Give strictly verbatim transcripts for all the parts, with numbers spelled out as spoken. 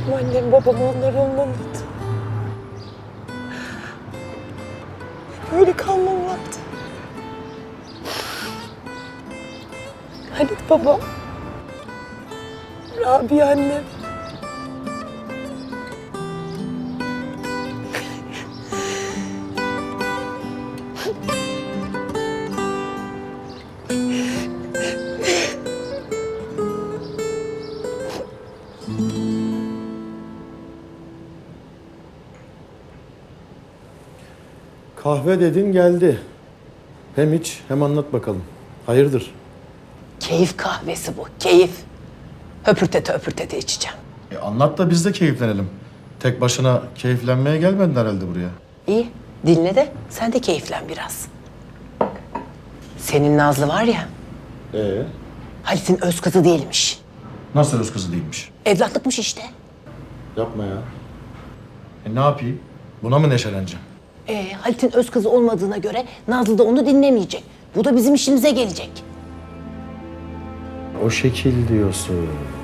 Benim annem babam onlar olmamalıydı. Böyle kalmamalıydı. Halit babam, Rabia annem. Kahve dedin geldi. Hem iç hem anlat bakalım. Hayırdır? Keyif kahvesi bu, keyif. Höpürtete höpürtete içeceğim. E anlat da biz de keyiflenelim. Tek başına keyiflenmeye gelmedin herhalde buraya. İyi, dinle de sen de keyiflen biraz. Senin Nazlı var ya, Ee? Halit'in öz kızı değilmiş. Nasıl öz kızı değilmiş? Evlatlıkmış işte. Yapma ya. E ne yapayım? Buna mı neşeleneceğim? Ee, Halit'in öz kızı olmadığına göre Nazlı da onu dinlemeyecek. Bu da bizim işimize gelecek. O şekil diyorsun.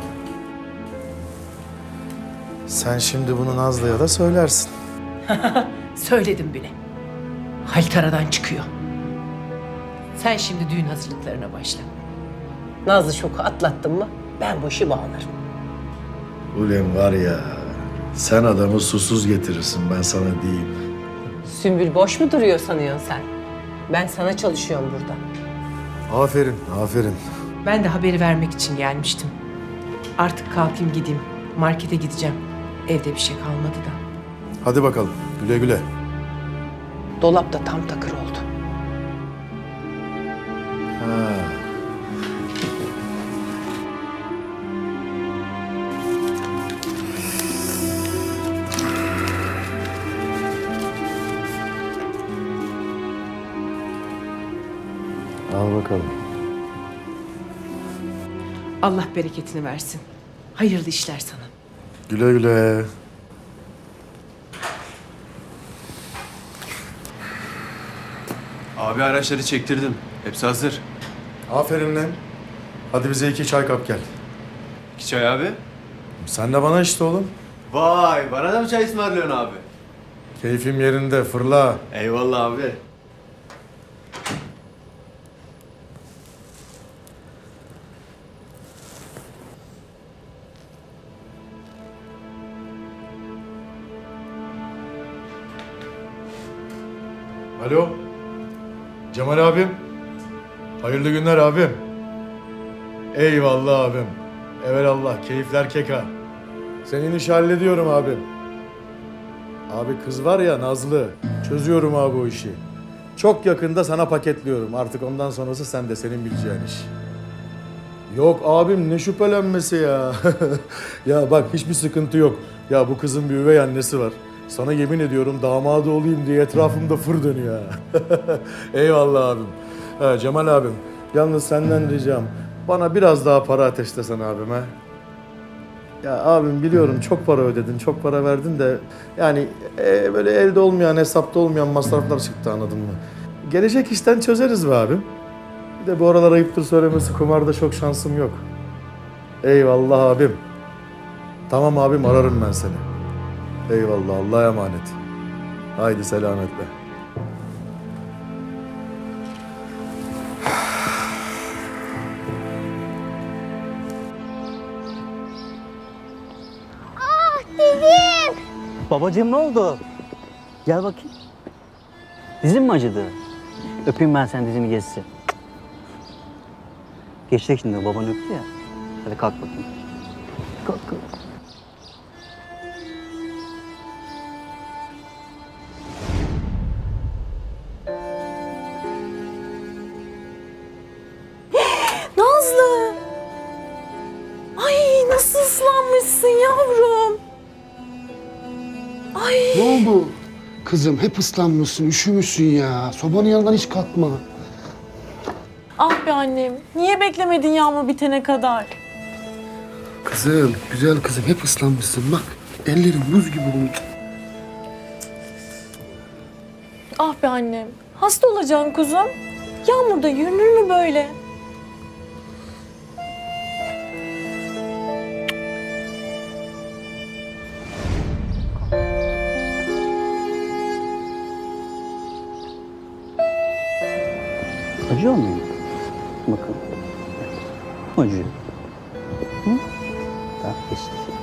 Sen şimdi bunu Nazlı'ya da söylersin. Söyledim bile. Halit aradan çıkıyor. Sen şimdi düğün hazırlıklarına başla. Nazlı şoku atlattın mı ben bu işi bağlarım. Ulan var ya, sen adamı susuz getirirsin ben sana diyeyim. Sümbül boş mu duruyor sanıyorsun sen? Ben sana çalışıyorum burada. Aferin, aferin. Ben de haberi vermek için gelmiştim. Artık kalkayım gideyim. Markete gideceğim. Evde bir şey kalmadı da. Hadi bakalım, güle güle. Dolap da tam takır oldu. Ha. Al bakalım. Allah bereketini versin. Hayırlı işler sana. Güle güle. Abi araçları çektirdim. Hepsi hazır. Aferin lan. Hadi bize iki çay kap gel. İki çay abi. Sen de bana işte oğlum. Vay, bana da mı çay ısmarlıyorsun abi? Keyfim yerinde, fırla. Eyvallah abi. Alo. Cemal abim. Hayırlı günler abim. Eyvallah abim. Evelallah, keyifler keka. Senin işi hallediyorum abim. Abi kız var ya Nazlı, çözüyorum abi o işi. Çok yakında sana paketliyorum. Artık ondan sonrası sen de senin bileceğin iş. Yok abim ne şüphelenmesi ya. Ya bak hiçbir sıkıntı yok. Ya bu kızın bir üvey annesi var. Sana yemin ediyorum damadı olayım diye etrafımda fır dönüyor ha. Eyvallah abim. Ha, Cemal abim, yalnız senden ricam bana biraz daha para ateşlesen abim ha. Ya abim biliyorum çok para ödedin, çok para verdin de yani e, böyle elde olmayan, hesapta olmayan masraflar çıktı anladın mı? Gelecek işten çözeriz be abim. Bir de bu aralar ayıptır söylemesi kumarda çok şansım yok. Eyvallah abim. Tamam abim ararım ben seni. Eyvallah Allah'a emanet. Haydi selametle. Babacığım ne oldu? Gel bakayım. Dizin mi acıdı? Öpeyim ben sen dizini geçsin. Geçecek şimdi baban öptü ya. Hadi kalk bakayım. Kalk kalk. Nazlı! Ay nasıl ıslanmışsın yavrum? Ay. Ne oldu? Kızım hep ıslanmışsın, üşümüşsün ya. Sobanın yanından hiç kalkma. Ah be annem. Niye beklemedin yağmur bitene kadar? Kızım, güzel kızım hep ıslanmışsın. Bak ellerin buz gibi olmuş. Ah be annem. Hasta olacaksın kuzum. Yağmurda yürünür mü böyle? Acıyor mu? Bakın. Acıyor. Hı? Tamam, geçti.